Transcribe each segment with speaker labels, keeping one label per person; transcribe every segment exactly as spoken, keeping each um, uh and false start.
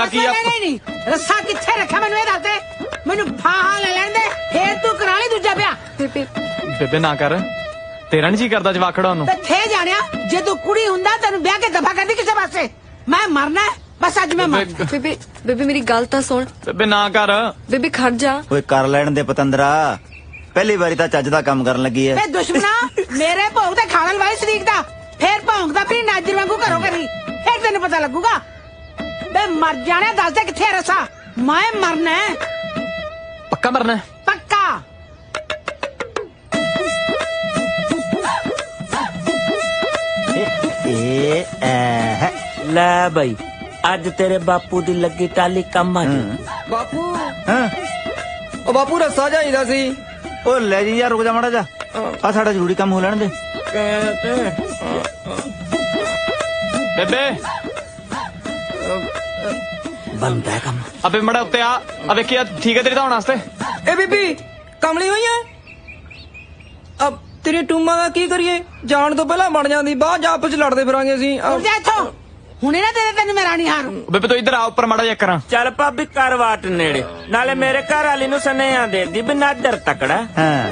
Speaker 1: ਹੋਇਆ ਕੀ ਆ?
Speaker 2: नहीं नहीं रस्सा किथे रखा मैनू ये दस दे मैनू फाहा ले लैन दे फिर तू करा ली दूजा ब्याह
Speaker 3: ਬੇਬੇ
Speaker 1: ਬੇਬੇ ਨਾ ਕਰ, ਤੇਰਾ ਨਹੀਂ ਜੀ ਕਰਦਾ ਜਵਾਖੜਾ ਉਹਨੂੰ।
Speaker 2: ते थे जानिया जे तू कुड़ी हुंदा तेनू ब्याह के दफा कर दी किसे पासे मैं मरना है बस अज मैं मर
Speaker 1: ਬੇਬੇ
Speaker 3: ਬੇਬੇ ਬੇਬੇ ਮੇਰੀ ਗੱਲ ਤਾਂ ਸੁਣ।
Speaker 1: ਬੇਬੇ ਨਾ ਕਰ।
Speaker 3: ਬੇਬੇ ਖੜ ਜਾ।
Speaker 4: ਓਏ ਕਰ ਲੈਣ ਦੇ ਪਤੰਦਰਾ, ਪਹਿਲੀ ਵਾਰੀ ਤਾਂ ਚੱਜ ਦਾ ਕੰਮ ਕਰਨ ਲੱਗੀ ਐ।
Speaker 2: ਵੇ ਦੁਸ਼ਮਣਾ मेरे भोग ते खाने वाले शरीक दा फिर भौंकदा फिर नाजर वांगू घरों करी फिर तेन पता लगूगा बे मर जाने दस दे किथे रसा मैं मरना है
Speaker 1: ਪੱਕਾ ਮਰਨਾ ਹੈ?
Speaker 2: पक्का
Speaker 4: ਏ ਐ
Speaker 5: ਲੈ ਬਈ ਅੱਜ ਤੇਰੇ ਬਾਪੂ ਦੀ ਲੱਗੀ ਟਾਲੀ ਕੰਮ ਆ ਜੂ।
Speaker 6: ਬਾਪੂ
Speaker 4: ਹਾਂ
Speaker 6: ਉਹ ਬਾਪੂ ਰੱਸਾ ਚਾਹੀਦਾ ਸੀ।
Speaker 4: ਓ ਲੈ ਜੀ ਯਾਰ, ਰੁਕ ਜਾ ਮਾੜਾ ਜਾ, ਆ ਸਾਡਾ ਜ਼ਰੂਰੀ ਕੰਮ ਹੋ ਲੈਣ ਦੇ।
Speaker 1: ਬੇਬੇ
Speaker 5: ਬੰਦਾ ਹੈ ਕੰਮ।
Speaker 1: ਅਬੇ ਮੜਾ ਉੱਤੇ ਆ ਆ ਵੇਖੀ ਆ ਠੀਕ ਹੈ ਤੇਰੀ ਧੌਣ ਵਾਸਤੇ।
Speaker 6: ਇਹ ਬੀਬੀ ਕਮਲੀ ਹੋਈ ਐ ਅਬ ਤੇਰੇ ਟੂਮਾਂ ਦਾ ਕੀ ਕਰੀਏ? ਜਾਣ ਤੋਂ ਪਹਿਲਾਂ ਬਣ ਜਾਂਦੀ ਬਾਅਦ ਚ ਆਪਸ ਚ ਲੜਦੇ ਫਿਰਾਂਗੇ ਅਸੀਂ।
Speaker 2: उठ जा इथों हुणे ना तेरे तेन मैं रानी हार
Speaker 1: ਬੇਬੇ ਤੂੰ ਇੱਧਰ ਆ ਉੱਪਰ ਮੜਾ ਜਾ ਕਰਾਂ।
Speaker 5: ਚੱਲ ਭਾਬੀ ਕਰ ਵਾਟ ਨੇੜੇ, ਨਾਲੇ ਮੇਰੇ ਘਰ ਵਾਲੀ ਨੂੰ ਸੁਨੇਹਾ ਦੇ ਦੀ ਬਿਨਾ ਦਰ ਤਕੜਾ।
Speaker 4: ਹਾਂ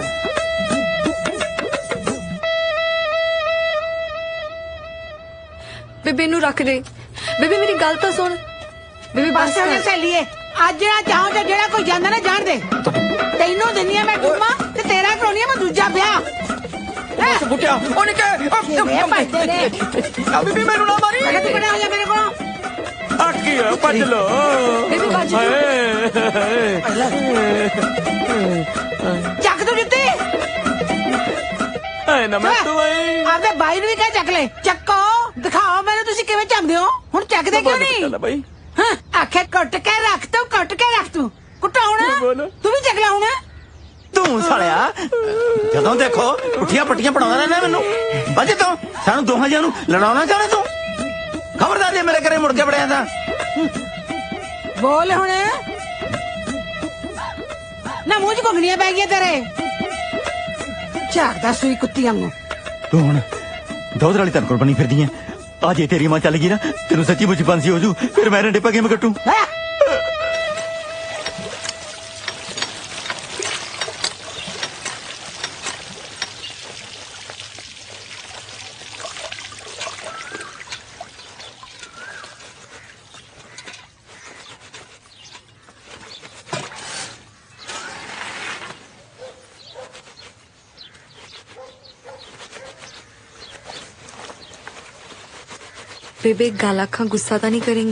Speaker 3: ਬੇਬੇ ਨੂੰ ਰੱਖ ਦੇ। ਬੇਬੇ ਮੇਰੀ ਗੱਲ ਤਾਂ ਸੁਣ। ਬੇਬੇ ਬਸ
Speaker 2: बस होने से लिए आज जेड़ा चाहो जे जेड़ा कोई जांदा ना जान दे तैनू दिन्नी मैं टुम्मा ते तेरा कराउनी मैं दूजा ब्याह
Speaker 6: ਬੁੱਟਿਆ ਉਹ ਨਿੱਕੇ
Speaker 2: वे भजदे ने
Speaker 6: ਆ ਬੀਬੀ ਮੈਨੂੰ ਨਾ ਮਾਰੀ।
Speaker 2: अगर तू बड़ा हो जा मेरे को
Speaker 5: ਆ ਕੀ ਹੋਇਆ? ਭੱਜ ਲੋ।
Speaker 3: ਬੇਬੇ ਬਾਜੀ
Speaker 2: ਚੱਕ ਤੂੰ ਜੁੱਤੀ
Speaker 5: ਹਾਏ ਨਾ ਮੈਂ ਤੂੰ ਆਈ
Speaker 2: ਆਪਦੇ ਬਾਈ ਨੂੰ ਵੀ ਕਹਿ ਚੱਕ ਲੈ ਚੱਕੋ ਦਿਖਾਓ ਮੈਨੂੰ ਤੁਸੀਂ ਕਿਵੇਂ ਚੱਕਦੇ ਹੋ ਹੁਣ ਚੱਕਦੇ ਕਿਉਂ ਨਹੀਂ
Speaker 5: ਬਈ
Speaker 2: ਹਾਂ ਆਖੇ ਕੁੱਟ ਕੇ ਰੱਖ ਤੂੰ ਕੁੱਟ ਕੇ ਰੱਖ ਤੂੰ ਕੁੱਟਾਉਣਾ ਤੂੰ ਵੀ ਚੱਕ ਲਾਉਣਾ
Speaker 4: ਤੂੰ ਸਾਲਿਆ, ਜਦੋਂ ਦੇਖੋ ਪੁੱਠੀਆਂ ਪੱਟੀਆਂ ਪੜਾਉਂਦਾ ਰਹਿੰਦਾ ਮੈਨੂੰ। ਬੱਜ ਤੂੰ ਸਾਨੂੰ ਦੋਹਾਂ ਜਿਆਂ ਨੂੰ ਲੜਾਉਣਾ ਚਾਹਣਾ ਤੂੰ? ਖਬਰਦਾਰ ਜੇ ਮੇਰੇ ਘਰੇ ਮੁੜ ਕੇ ਵੜਿਆ ਤਾਂ।
Speaker 2: ਬੋਲ ਹੁਣ ਨਾ ਮੂੰਹ ਚ ਘੁੰਗਣੀਆਂ ਪੈ ਗਈਆਂ ਤੇਰੇ ਝਾਕਦਾ ਸੂਈ ਕੁੱਤੀ ਵਾਂਗੂ
Speaker 4: ਤੂੰ ਹੁਣ ਦੋਧਰ ਵਾਲੀ ਤਨਕੋਲ ਬਣੀ ਫਿਰਦੀ ਐ। ਆ ਜੇ ਤੇਰੀ ਮਾਂ ਚੱਲ ਗਈ ਨਾ, ਤੈਨੂੰ ਸੱਚੀ ਮੁੱਚੀ ਬੰਸੀ ਹੋ ਜੂ, ਫਿਰ ਮੈਂ ਰੰਡੇ ਪਾ ਕੇ ਮੈਂ ਕੱਟੂ।
Speaker 2: ਹੈਂ?
Speaker 3: ਬੇਬੇ ਗੱਲ ਆਖਾਂ ਗੁੱਸਾ ਤਾਂ ਨਹੀਂ ਕਰੇਂਗੀ?